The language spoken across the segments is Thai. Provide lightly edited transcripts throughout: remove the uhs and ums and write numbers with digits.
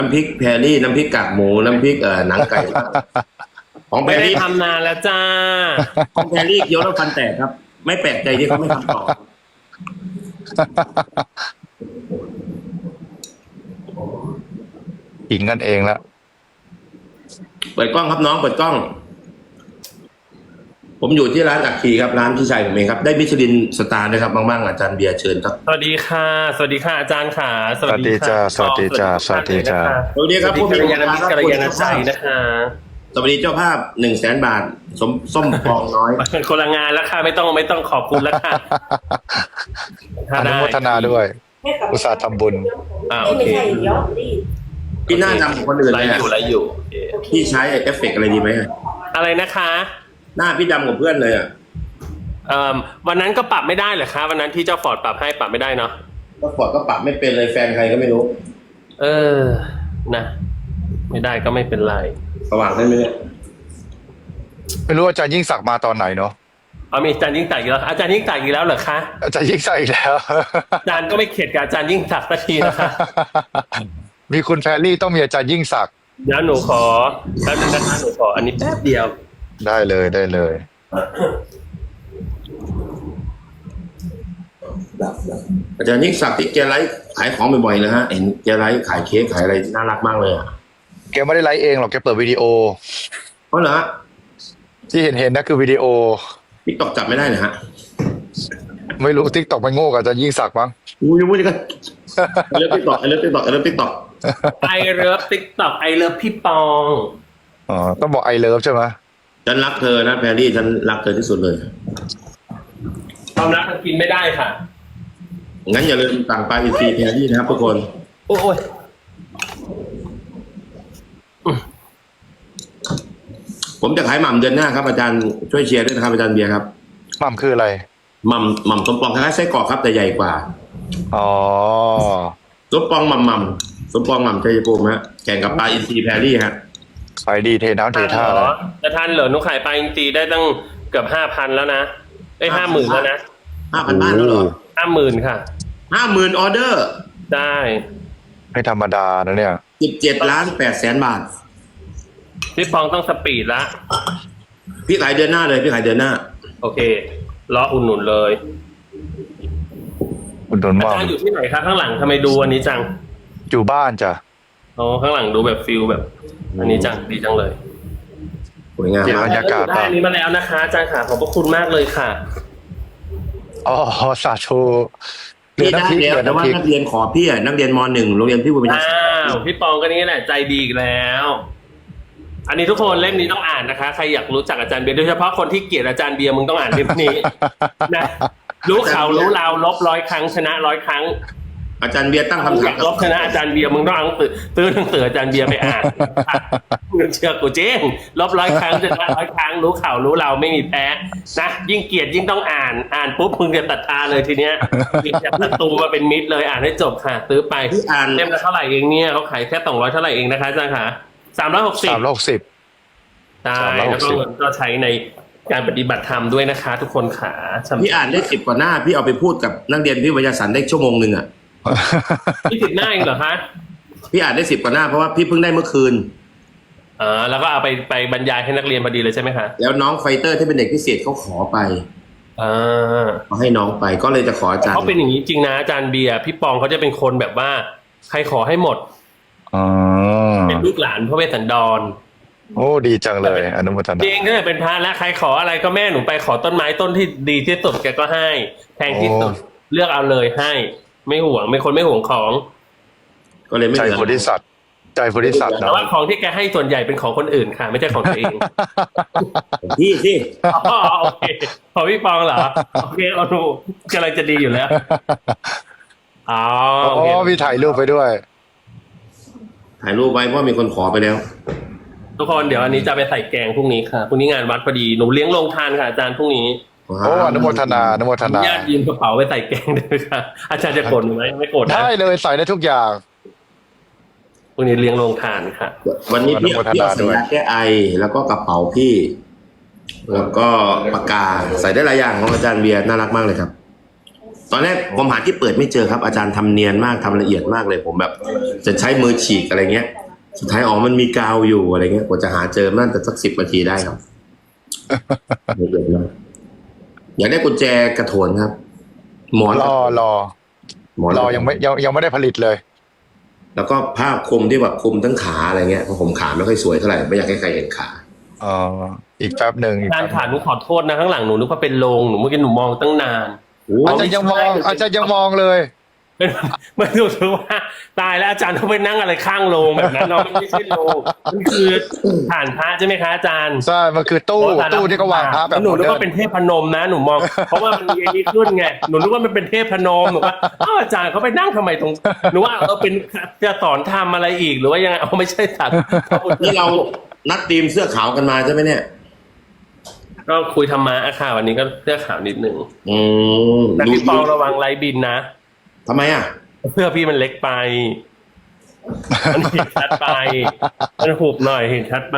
น้ำพริกแพรรี่น้ำพริกกากหมูน้ำพริกหนังไก่ของแพไม่รได้รี่ทำนานแล้วจ้าของแพรรี่เคี้ยวแล้วฟันแตกครับ ไม่แปลกใจที่เขาไม่ทำต่อขิงกันเองแล้วเปิดกล้องครับน้องเปิดกล้อง ผมอยู่ที่ร้านอักขีครับร้านพี่ชายผมเองครับได้มิชลินสตาร์นะครับบ้างๆอาจารย์เบียร์เชิญครับสวัสดีค่ะสวัสดีค่ะอาจารย์ค่ะสวัสดีจ้าสวัสดีจ้าสวัสดีจ้าสวัสดีครับผู้ผู้มีมีกัลยาณมิตรกัลยาณใจนะคะสวัสดีเจ้าภาพ100,000 บาทส้มปองน้อยคนละงานแล้วค่ะไม่ต้องขอบคุณแล้วค่ะอนุโมทนาด้วย อุตส่าห์ทำบุญโอเคไม่ใช่ยอดรีบพี่หน้าดำกว่าคนอื่นไลเลยฟ์อะอยู่ไลฟ์อยู่พี่ใช้เอฟเฟกต์อะไรดีไหมอะอะไรนะคะหน้าพี่ดำกว่าเพื่อนเลยอ่ะวันนั้นก็ปรับไม่ได้เหรอคะวันนั้นที่เจ้าฟอร์ดปรับให้ปรับไม่ได้เนาะก็ฟอร์ดก็ปรับไม่เป็นเลยแฟนใครก็ไม่รู้นะไม่ได้ก็ไม่เป็นไรสว่างได้ไหมเนี่ยไม่รู้อาจารย์ยิ่งศักดิ์มาตอนไหนเนาะมีอาจารย์ยิ่งศักดิ์อีกแล้วอาจารย์ยิ่งศักดิ์อีกแล้วเหรอคะอาจารย์ยิ่งศักดิ์อีกแล้วอาจารย์ก็ไม่เข็ดกับอาจารย์ยิ่งศักดิ์สักทีนะคะมีคุณแพรรี่ต้องมีอาจารย์ยิ่งศักดิ์เดี๋ยวหนูขอแป๊บนึงนะคะหนูขออันนี้แป๊บเดียวได้เลยได้เลยอาจารย์ยิ่งศักดิ์ที่แกไลฟ์ขายของบ่อยๆนะฮะเห็นแกไลฟ์ขายเค้กขายอะไรน่ารักมากเลยอ่ะแกไม่ได้ไลฟ์เองหรอกแกเปิดวิดีโอเพราะเหรอฮะที่เห็นนะคือวิดีโอติ๊กตอกจับไม่ได้นะฮะไม่รู้ทิกตอกไปโง่กับอาจารย์ยิ่งศักดิ์มั้งอู้ยพูดกันไอเลิฟติ๊กตอกไอเลิฟติ๊กตอกไอเลิฟติ๊กตอกไอเลิฟติ๊กต็อกไอเลิฟพี่ปองอ๋อต้องบอกไอเลิฟใช่ไหมฉันรักเธอนะแพรรี่ฉันรักเธอที่สุดเลยความรักมันกินไม่ได้ค่ะงั้นอย่าลืมสั่งปลาอินทรีแพรรี่นะครับทุกคนโอ้ยผมจะขายหม่ำเดือนหน้าครับอาจารย์ช่วยเชียร์ด้วยนะครับอาจารย์เบียร์ครับหม่ำคืออะไรหม่ำสมปองคล้ายๆไส้กรอกครับแต่ใหญ่กว่าอ๋อสมปองหม่ำสมปองหม่ำชัยภูมิฮะแข่งกับปลาอินทรีแพรรี่ฮะไปดีเทน้ำเทท่าเลยจะทันเหรอหนูขายไปจริงๆได้ตั้งเกือบ5,000แล้วนะ50,000แล้วนะ 5,000 บ้านแล้วเหรอ 50,000ค่ะ 50,000ออเดอร์ได้ไม่ธรรมดานะเนี่ย 17,800,000 บาทพี่ปองต้องสปีดละพี่ขายเดือนหน้าเลยพี่ขายเดือนหน้าโอเครออุ่นหนุนเลยคุณโดนอาว่าจารย์อยู่ที่ไหนคะข้างหลังทำไมดูอันนี้จังอยู่บ้านจ้ะอ๋อข้างหลังดูแบบฟิลแบบ อันนี้จังดีจังเลยสวยงามเดี๋ยวมากบรรยากาศได้อันนี้มาแล้วนะคะอาจารย์ค่ะขอบพระคุณมากเลยค่ะอ๋อสาธุเหลือพี่ได้น้ำพริกแล้วเหลือแต่ว่าน้ำพริกนักเรียนขอพี่อะนักเรียนม .1 โรงเรียนพี่บุญญาอ้าวพี่ปองก็นี่แหละใจดีอีกแล้ว อันนี้ทุกคนเล่มนี้ต้องอ่านนะคะใครอยากรู้จักอาจารย์เบียร์โดยเฉพาะคนที่เกลียดอาจารย์เบียร์มึงต้องอ่านเล่มนี้ นะรู้ข่าวรู้ราวลบ100 ครั้งชนะ100 ครั้งอาจารย์เบียร์ตั้งคำอถายาม กลบชนะอาจารย์เบียร์มึงต้องเอาหนังสือซื้อหนังสืออาจารย์เบียร์ไปอ่านมึงเชื่อกูเจ๊งลบ100 ครั้งชนะ100 ครั้งรู้ข่าวรู้ราวไม่มีแพ้นะยิ่งเกลียดยิ่งต้องอ่านปุ๊บมึงจะตัดตาเลยทีเนี้ยมีจากศัตรูมาเป็นมิตรเลยอ่านให้จบค่ะซื้อไปพี่อ่านเล่มละเท่าไหร่เองเนี่ยเขาขายแค่200เท่าไหร่เองนะคะอาจารย์ค่ะ360 360 ใช่แล้วก็ 360 เงินก็ใช้ในการปฏิบัติธรรมด้วยนะคะ ทุกคนขาสำหรับพี่อ่านได้10 กว่าหน้าพี่เอาไปพูดกับนักเรียนพี่วิทยาสันได้ชั่วโมงหนึ่งอ่ะที่ติดหน้าเองเหรอคะพี่อ่านได้10 กว่าหน้าเพราะว่าพี่เพิ่งได้เมื่อคืนแล้วก็เอาไปบรรยายให้นักเรียนพอดีเลยใช่ไหมคะแล้วน้องไฟเตอร์ที่เป็นเด็กพิเศษเขาขอไปอ่าเขาให้น้องไปก็เลยจะขออาจารย์เขาเป็นอย่างนี้จริงนะอาจารย์เบียร์พี่ปองเขาจะเป็นคนแบบว่า ใครขอให้หมดอ๋อเป็นลูกหลานพระเวสสันดรโอ้ดีจังเลยอนุโมทนาจริงก็เป็นพระและใครขออะไรก็แม่หนูไปขอต้นไม้ต้นที่ดีที่สุดแกก็ให้แพงที่สุดเลือกเอาเลยให้ ไม่ห่วงไม่คนไม่ห่วงของก็เลยไม่ใจเหลือโพธิสัตว์ใจโพธิสัตว์แต่เนาะว่าของที่แกให้ส่วนใหญ่เป็นของคนอื่นค่ะ ไม่ใช่ของตัวเองพี่สิอ๋อโอเคของพี่ปองเหรอโอเคเอาดูกำลังจะดีอยู่แล้วอ๋ออ๋โอเคอมีถ่ายรูปไปด้วยถ่ายรูปไว้เพราะมีคนขอไปแล้วทุกคนเดี๋ยวอันนี้จะไปใส่แกงพรุ่งนี้ค่ะพรุ่งนี้งานวัดพอดีหนูเลี้ยงโรงทานค่ะอาจารย์พรุ่งนี้โอ้อนุโมทนาอนุโมทนาญาติยืมกระเป๋าไปใส่แกงด้วยค่ะอาจารย์จะโกรธหนูไหมไม่โกรธนะได้เลยใส่ได้ทุกอย่างพรุ่งนี้เลี้ยงโรงทานค่ะวันนี้พี่อนุโมทนาพี่เอาสัญด้วยญาแก้ไอแล้วก็กระเป๋าพี่ แล้วก็ปากกาใส่ได้หลายอย่างของอาจารย์เบียร์น่ารักมากเลยครับตอนแรกผมหาที่เปิดไม่เจอครับอาจารย์ทำเนียนมากทำละเอียดมากเลย ผมแบบจะใช้มือฉีกอะไรเงี้ย สุดท้ายอ๋อมันมีกาวอยู่อะไรเงี้ยกว่าจะหาเจอน่าจะสัก10 นาทีได้ครับละเอียดมากอยากได้กุญแจกระโถนครับ หมอนรอหมอนยังไม่ได้ผลิตเลยแล้วก็ผ้าคลุมที่แบบคลุมทั้งขาอะไรเงี้ยเพราะผมขาไม่ค่อยสวยเท่าไหร่ไม่อยากให้ใครเห็นขาอีกแป๊บหนึ่งการขาหนูขอโทษนะข้างหลังหนูนึกว่าเป็นโรงหนูเมื่อกี้หนูมองตั้งนานอาจารย์ยังมองเลยเป็นไม่รู้สึกว่าตายแล้วอาจารย์ต้องไปนั่งอะไรข้างโรงแบบนั้นเนาะมันไม่ใช่โรงมันคือฐานพระใช่ไหมคะอาจารย์ใช่ มันคือตู้ที่เขาวางพระแบบหนูนึกว่าเป็นเทพนมนะหนูมอง เพราะว่ามันมีอันนี้ขึ้นไงหนูนึกว่ามันเป็นเทพนมหนูว่าอ้าวอาจารย์เขาไปนั่งทำไมตรงหนูว่าเป็นจะสอนทำอะไรอีกหรือว่ายังไงไม่ใช่สัตว์นี่เรานัดทีมเสื้อขาวกันมาใช่ไหมเนี่ยก็คุยธรรมะค่ะวันนี้ก็เสื้อขาวนิดนึงมแต่พี่ปองระวังไร้บินนะทำไมอ่ะเสื้อพี่มันเล็กไปมันเห็นชัดไปมันหุบหน่อยเห็นชัดไป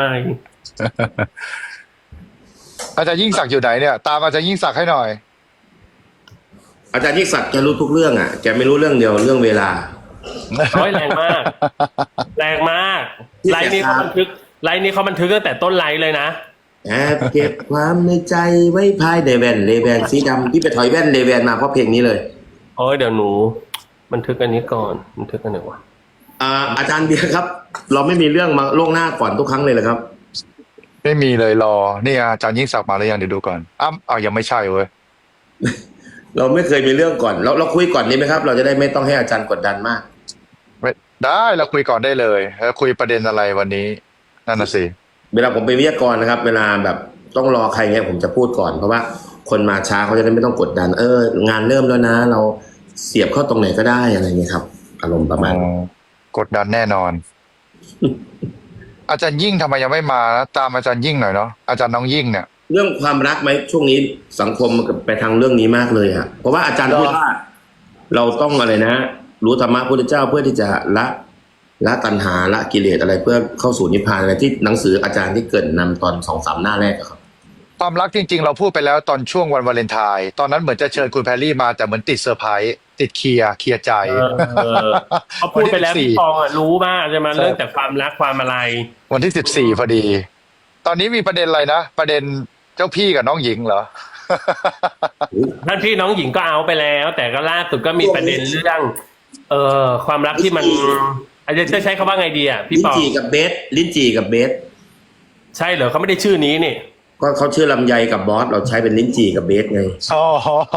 อาจารย์ยิ่งศักดิ์อยู่ไหนเนี่ยตามอาจารย์ยิ่งศักดิ์ให้หน่อยอาจารย์ยิ่งศักดิ์แกรู้ทุกเรื่องอ่ะแกไม่รู้เรื่องเดียวเรื่องเวลาร้อยแรงมาก แรงมากไลน์นี้เขาบันทึกตั้งแต่ต้นไลน์เลยนะแอบเก็บความในใจไว้ภายในแว่นเลแวนสีดำพี่ไปถอยแว่นเลแวนมาเพราะเพลงนี้เลยโอ้ยเดี๋ยวหนูบันทึกอันนี้ก่อนบันทึกอันไหนวะอาจารย์เบียร์ครับ เราไม่มีเรื่องมาล่วงหน้าก่อนทุกครั้งเลยเหรอครับไม่มีเลยรอนี่อาจารย์ยิ่งศักดิ์มาหรือยังเดี๋ยวดูก่อนยังไม่ใช่เว้ยเราไม่เคยมีเรื่องก่อนเราคุยก่อนนี้ไหมครับ เราจะได้ไม่ต้องให้อาจารย์กดดันมากได้เราคุยก่อนได้เลยแล้วคุยประเด็นอะไรวันนี้นั่นน่ะสิเวลาผมเป็นวิทยากรนะครับ เวลาแบบต้องรอใครเงี้ยผมจะพูดก่อนเพราะว่าคนมาช้าเขาจะได้ไม่ต้องกดดันงานเริ่มแล้วนะ เราเสียบเข้าตรงไหนก็ได้อะไรเงี้ยครับ อารมณ์ประมาณกดดันแน่นอน อาจารย์ยิ่งทำไมยังไม่มานะตามอาจารย์ยิ่งหน่อยเนาะอาจารย์น้องยิ่งเนี่ยเรื่องความรักไหมช่วงนี้สังคมมันไปทางเรื่องนี้มากเลยอะเพราะว่าอาจารย์พูดว่าเราต้องอะไรนะ รู้ธรรมะพุทธเจ้าเพื่อที่จะละตัณหาละกิเลสอะไรเพื่อเข้าสู่นิพพานอะไรที่หนังสืออาจารย์ที่เกริดนำตอน2-3 หน้าแรกอะครับความรักจริงๆเราพูดไปแล้วตอนช่วงวันวาเลนไทน์ตอนนั้นเหมือนจะเชิญคุณแพรรี่มาแต่เหมือนติดเซอร์ไพรส์ติดเคลียร์ใจเขาพูดไปแล้วพี่ปองรู้มากใช่ไหมเรื่องแต่ความรักความอะไรวันที่14พอดี ตอนนี้มีประเด็นอะไรนะประเด็นเจ้าพี่กับน้องหญิงเหรอท่านพี่น้องหญิงก็เอาไปแล้ว แต่ก็ล่าสุดก็มีประเด็นเรื่องความรักที่มันอาจจะใช้คำว่าไงดีอ่ะพี่ลิ้ปนองจี่กับเบสลิ้นจี่กับเบสใช่เหรอเขาไม่ได้ชื่อนี้นี่ก็เขาชื่อลำไยกับบอสเราใช้เป็นลิ้นจี่กับเบสไงอ๋อ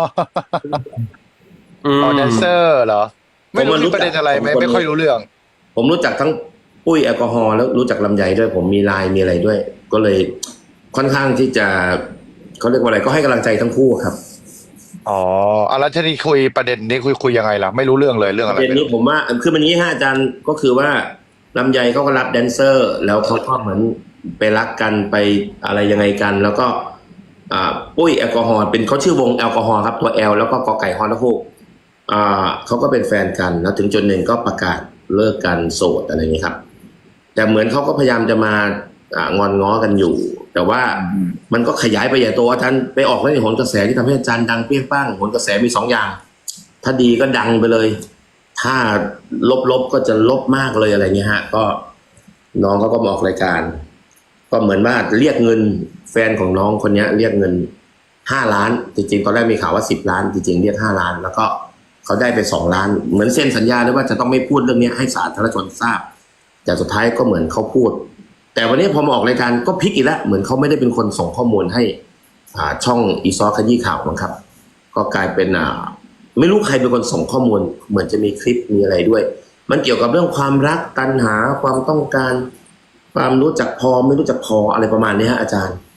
แดนเซอร์เหรอไม่รู้มีประเด็นอะไรไม่ค่อยรู้เรื่องผมรู้จักทั้งปุ้ยแอลกอฮอล์แล้วรู้จักลำไยด้วย ผมมีไลน์มีอะไรด้วย ก็เลยค่อนข้างที่จะเขาเรียกว่าอะไรก็ให้กำลังใจทั้งคู่ครับแล้วที่นี่คุยประเด็นนี้คุยยังไงล่ะไม่รู้เรื่องเลยเรื่องอะไรประเด็นนี้ผมว่าคือมันอย่างนี้ฮะอาจารย์ก็คือว่าลำไยเขาก็รับแดนเซอร์ แล้วเขาก็เหมือนไปรักกันไปอะไรยังไงกัน แล้วก็ปุ้ยแอลกอฮอล์เป็นเขาชื่อวงแอลกอฮอล์ครับตัว L แล้วก็กอไก่ฮอนและฮูกเขาก็เป็นแฟนกันแล้วถึงจุดหนึ่งก็ประกาศเลิกกันโสดอะไรอย่างนี้ครับ แต่เหมือนเขาก็พยายามจะมางอนง้อกันอยู่ แต่ว่ามันก็ขยายไปใหญ่โตอาจารย์ไปออกในโหนกระแสที่ทำให้อาจารย์ดังเปรี้ยงป้างโหนกระแสมี2 อย่าง ถ้าดีก็ดังไปเลย ถ้าลบก็จะลบมากเลยอะไรเงี้ยฮะก็น้องเขาก็มาออกรายการ ก็เหมือนว่าเรียกเงินแฟนของน้องคนนี้เรียกเงิน5 ล้านจริงๆตอนแรกมีข่าวว่า10 ล้านจริงๆเรียก5 ล้านแล้วก็เขาได้ไป2 ล้านเหมือนเซ็นสัญญาเลยว่าจะต้องไม่พูดเรื่องนี้ให้สาธารณชนทราบแต่สุดท้ายก็เหมือนเขาพูดแต่วันนี้พอมาออกรายการก็พลิกอีกแล้วเหมือนเขาไม่ได้เป็นคนส่งข้อมูลให้ช่องอีซอขยี้ข่าวนะครับก็กลายเป็นไม่รู้ใครเป็นคนส่งข้อมูลเหมือนจะมีคลิปมีอะไรด้วยมันเกี่ยวกับเรื่องความรักตัณหาความต้องการความรู้จักพอไม่รู้จักพออะไรประมาณนี้ฮะอาจารย์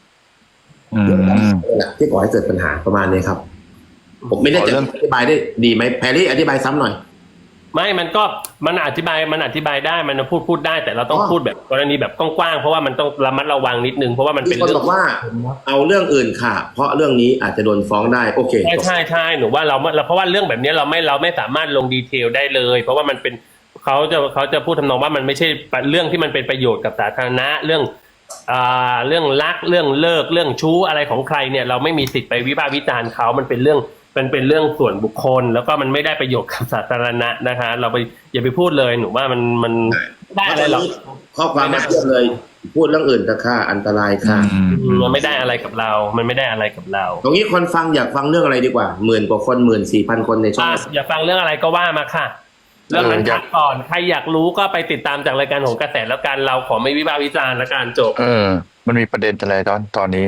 ที่ก่อให้เกิดปัญหาประมาณนี้ครับผมไม่ได้จะอธิบายได้ดีไหมแพรรี่อธิบายซ้ำหน่อยไม่มันอธิบายได้มันพูดได้แต่เราต้องพูดแบบกรณีแบบกว้างๆเพราะว่ามันต้องระมัดระวังนิดนึงเพราะว่ามันเป็นเรื่องบอกว่าเอาเรื่องอื่นค่ะเพราะเรื่องนี้อาจจะโดนฟ้องได้โอเคใช่หนูว่าเราเพราะว่าเรื่องแบบนี้เราไม่สามารถลงดีเทลได้เลยเพราะว่ามันเป็นเขาจะพูดทำนองว่ามันไม่ใช่เรื่องที่มันเป็นประโยชน์กับสาธารณะเรื่องรักเรื่องเลิกเรื่องชู้อะไรของใครเนี่ยเราไม่มีสิทธิ์ไปวิพากษ์วิจารณ์เขามันเป็นเรื่องเป็นเรื่องส่วนบุคคล แล้วก็มันไม่ได้ประโยชน์กับสาธารณะนะคะ เราไปอย่าไปพูดเลยหนูว่ามันได้อะไรหรอกข้อความมาเทียบเลย พูดเรื่องอื่นแต่ค่าอันตรายค่ะมันไม่ได้อะไรกับเรา มันไม่ได้อะไรกับเราตรงนี้คนฟังอยากฟังเรื่องอะไรดีกว่า10,000 กว่าคน14,000 คนในช่องอย่าฟังเรื่องอะไรก็ว่ามาค่ะ เรื่องนั้นพักก่อนใครอยากรู้ก็ไปติดตามจากรายการของกระแสแล้วกันเราขอไม่วิพากษ์วิจารณ์แล้วกันจบมันมีประเด็นอะไรตอนนี้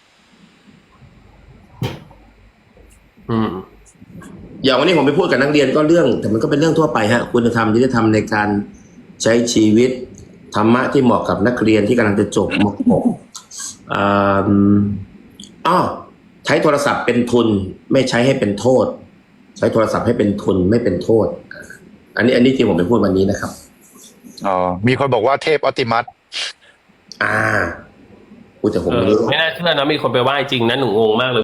อย่างวันนี้ผมไปพูดกับนักเรียนก็เรื่อง แต่มันก็เป็นเรื่องทั่วไปฮะคุณธรรมที่จะทำในการใช้ชีวิตธรรมะที่เหมาะกับนักเรียนที่กำลังจะจบม .6 ใช้โทรศัพท์เป็นทุนไม่ใช้ให้เป็นโทษ ใช้โทรศัพท์ให้เป็นทุนไม่เป็นโทษ อันนี้ที่ผมไปพูดวันนี้นะครับมีคนบอกว่าเทพออติมัสพูดแต่ผมไม่รู้ไม่น่าเชื่อนะมีคนไปไหว้จริงนะหนูงงมากเลย